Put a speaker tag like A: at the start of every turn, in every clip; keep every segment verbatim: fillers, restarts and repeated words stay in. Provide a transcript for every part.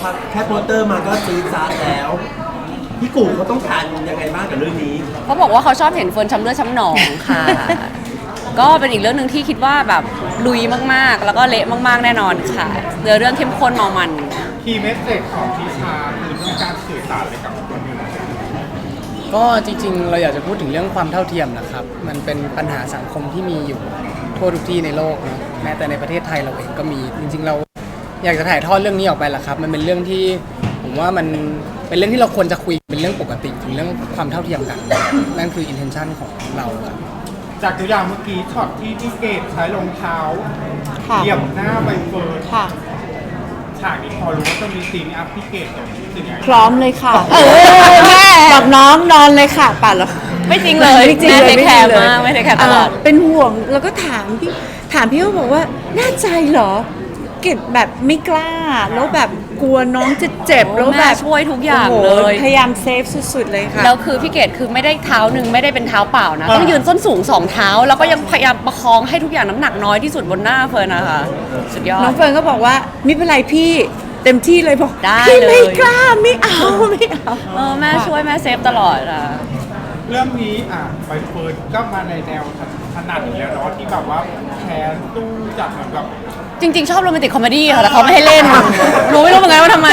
A: แค่โปสเตอร์มาก็ซีดซาร์แล้วพี่กูเขาต้องการยังไงบ้างกับเรื่องนี้
B: เขาบอกว่าเขาชอบเห็นเฟิร์นช้ำเลือดช้ำหนองค่ะ ก็เป็นอีกเรื่องหนึ่งที่คิดว่าแบบลุยมากๆแล้วก็เละมากๆแน่นอนค่ะเนื้อเรื่องเข้มข้นเมามัน
C: คีย์เมสเซจของพิชาคือต้องการสื่อสารอะไรกับคนอื่น
D: ก็จริงๆเราอยากจะพูดถึงเรื่องความเท่าเทียมนะครับมันเป็นปัญหาสังคมที่มีอยู่ทั่วทุกที่ในโลกนะแม้แต่ในประเทศไทยเราเองก็มีจริงๆเราอยากจะถ่ายทอดเรื่องนี้ออกไปแหละครับมันเป็นเรื่องที่ผมว่ามันเป็นเรื่องที่เราควรจะคุยเป็นเรื่องปกติถึงเรื่องความเท่าเทียมกันนั่นคือ intention ของเราครับ
C: จากตัวอย่างเมื่อกี้ช็อตที่พี่เกดใช้รองเท้าเหยียบหน้าใบเฟิร์นฉากนี้พอรู้ว่าจะมีซีนอัพพี่เกดรู้สึกยังไง
E: พร้อมเลยค่ะเออแม่กับน้องนอนเลยค่ะป่ะเหรอ
B: ไม่จริงเลย
E: ไม่จริงเลย
B: ไม่แคร์มากไม่ได้แคร์ตลอด
E: เป็นห่วงแล้วก็ถามพี่ถามพี่เขาบอกว่าแน่ใจเหรอเกดแบบไม่กล้าแล้วแบบกลัวน้องจะเจ็บแล้วแบบ
B: ช่วยทุกอย่างเลย
E: พยายามเซฟสุดๆเลยค่ะ
B: แล้วคือพี่เกดคือไม่ได้เท้าหนึ่งไม่ได้เป็นเท้าเปล่านะต้องยืนส้นสูงสองเท้าแล้วก็ยังพยายามประคองให้ทุกอย่างน้ำหนักน้อยที่สุดบนหน้าเฟิร์นนะคะสุดยอด
E: น้องเฟิร์นก็บอกว่าไม่เป็นไรพี่เต็มที่เลยบอก
B: ได้
E: พี่
B: เลย
E: ไม่กล้าไม่เอาไม่เอา
B: เออแม่ช่วยแม่เซฟตลอดอ่ะ
C: เรื่องนี้อ่ะใบเฟิร์นก็มาในแนวถนัดอยู่แล้วเนาะที่แบบว่าแค้นตู้จัดเหมือนกับ
B: จริงๆชอบโรแมนติกคอมเมดี้ค่ะแต่เขาไม่ให้เล่นหนูไม่รู้เหมือนกันว่าทำไม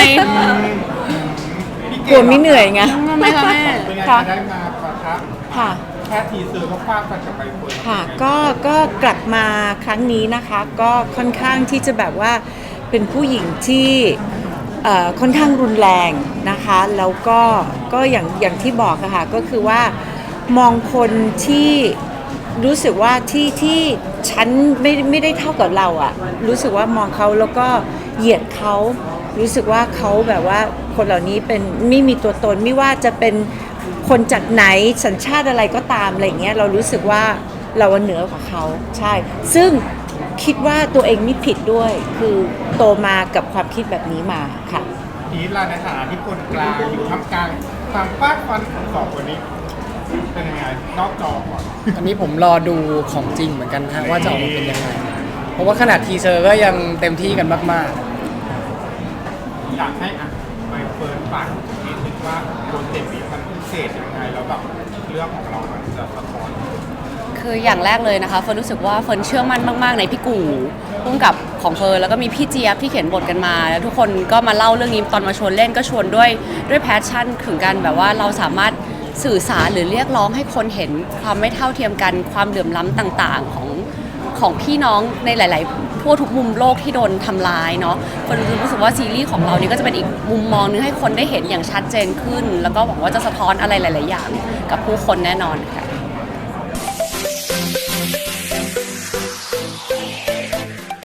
E: กลัวไม่เหนื่อยไง
B: ทำไมคะแม่
C: เป็นไงได้มาปะทะ
E: ค่ะ
C: แค่ทีเซอร์ก็ฟาดฟันกับใบเฟิร์น
E: ค่ะก็ก็กลับมาครั้งนี้นะคะก็ค่อนข้างที่จะแบบว่าเป็นผู้หญิงที่ค่อนข้างรุนแรงนะคะแล้วก็ก็อย่างอย่างที่บอกอะค่ะก็คือว่ามองคนที่รู้สึกว่าที่ที่ฉันไม่ไม่ได้เท่ากับเราอะรู้สึกว่ามองเขาแล้วก็เหยียดเขารู้สึกว่าเขาแบบว่าคนเหล่านี้เป็นไม่มีตัวตนไม่ว่าจะเป็นคนจากไหนสัญชาติอะไรก็ตามอะไรเงี้ยเรารู้สึกว่าเราเหนือกว่าเขาใช่ซึ่งคิดว่าตัวเองไม่ผิดด้วยคือโตมากับความคิดแบบนี้มาค่ะ
C: พีทล่ะในฐานะที่คนกลางอยู่ท่ามกลางความฟาดฟันของสองคนนี้เป็นยังไงนอกจอก่อน
D: อันนี้ผมรอดูของจริงเหมือนกันฮะว่าจะออกมาเป็นยังไงเพราะว่าขนาดทีเซอร์ก็ยังเต็มที่กันมาก
C: ๆอยากให้อ่ะใบเฟิร์นฝากนิดนึงว่าโปรเจกต์นี้มันพิเศษยังไงแล้วแบบเรื่องของเรามันจะสะท้อน
B: คืออย่างแรกเลยนะคะเฟิร์นรู้สึกว่าเฟิร์นเชื่อมั่นมากๆในพี่กู่ร่วมกับของเฟิร์นแล้วก็มีพี่เจี๊ยบที่เขียนบทกันมาแล้วทุกคนก็มาเล่าเรื่องนี้ตอนมาชวนเล่นก็ชวนด้วยด้วยแพชชั่นถึงกันแบบว่าเราสามารถสื่อสารหรือเรียกร้องให้คนเห็นความไม่เท่าเทียมกันความเหลื่อมล้ำต่างๆของของพี่น้องในหลายๆทั่วทุกมุมโลกที่โดนทำร้ายเนาะเฟิร์นรู้สึกว่าซีรีส์ของเรานี่ก็จะเป็นอีกมุมมองนึงให้คนได้เห็นอย่างชัดเจนขึ้นแล้วก็หวังว่าจะสะท้อนอะไรหลายๆอย่างกับผู้คนแน่นอนค่ะ